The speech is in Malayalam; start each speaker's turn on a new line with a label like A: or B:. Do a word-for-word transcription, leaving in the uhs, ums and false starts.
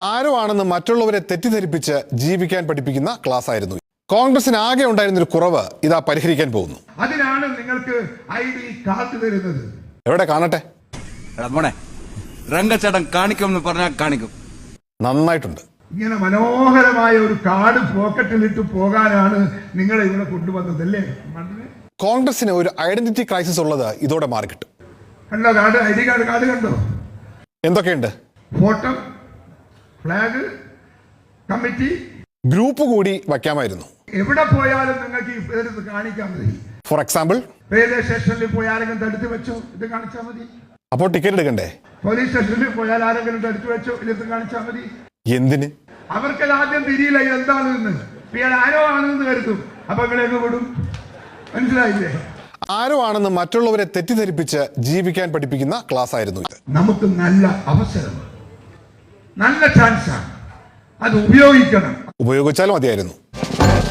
A: ആരോ ആണെന്ന് മറ്റുള്ളവരെ തെറ്റിദ്ധരിപ്പിച്ച് ജീവിക്കാൻ പഠിപ്പിക്കുന്ന ക്ലാസ് ആയിരുന്നു. കോൺഗ്രസിന് ആകെ ഉണ്ടായിരുന്ന ഒരു കുറവ് ഇതാ പരിഹരിക്കാൻ പോകുന്നു.
B: അതിനാണ് നിങ്ങൾക്ക് ഐ ഡി കാർഡ് തരുന്നത്.
A: എവിടെ കാണട്ടെ?
C: രംഗച്ചേട്ടൻ കാണിക്കുമെന്ന് പറഞ്ഞാൽ കാണിക്കും.
A: നന്നായിട്ടുണ്ട്.
B: ഇങ്ങനെ മനോഹരമായ ഒരു കാർഡ് പോക്കറ്റിലിട്ട് പോകാനാണ് നിങ്ങളെ ഇവിടെ കൊണ്ടുവന്നതല്ലേ?
A: കോൺഗ്രസിന് ഒരു ഐഡന്റിറ്റി ക്രൈസിസ് ഉള്ളത് ഇതോടെ മാറിക്കിട്ടും.
B: കണ്ടോ card? I D card card കണ്ടോ?
A: എന്തൊക്കെയുണ്ട്?
B: ഫോട്ടോ, ഫ്ലാഗ്, കമ്മിറ്റി,
A: ഗ്രൂപ്പ് കൂടി വയ്ക്കാമായിരുന്നു.
B: എവിടെ പോയാലും നിങ്ങൾക്ക് ഇത് കാണിക്കാൻ മതി.
A: ഫോർ എക്സാമ്പിൾ,
B: റെയിൽവേ സ്റ്റേഷനിൽ പോയി ആരെങ്കിലും തടുത്ത് വെച്ചോ, ഇത് കാണിച്ചാൽ മതി.
A: അപ്പോൾ ടിക്കറ്റ് എടുക്കണ്ടേ?
B: പോലീസ് സ്റ്റേഷനിൽ പോയാൽ ആരെങ്കിലും തടുത്ത് വെച്ചോ, ഇത് കാണിച്ചാൽ മതി.
A: എന്തിന്?
B: അവർക്ക് ആദ്യം തിരിയില്ല എന്താണെന്ന്. ഇയാൾ ആരോ ആണെന്ന് കരുതും. അപ്പൊ ഇങ്ങളെങ്ങ് വിടും. മനസ്സിലായില്ലേ?
A: ആരോ ആണെന്ന് മറ്റുള്ളവരെ തെറ്റിദ്ധരിപ്പിച്ച് ജീവിക്കാൻ പഠിപ്പിക്കുന്ന ക്ലാസ് ആയിരുന്നു ഇത്.
B: നമുക്ക് നല്ല അവസരമാണ്, നല്ല ചാൻസാണ്, അത് ഉപയോഗിക്കണം.
A: ഉപയോഗിച്ചാൽ മതിയായിരുന്നു.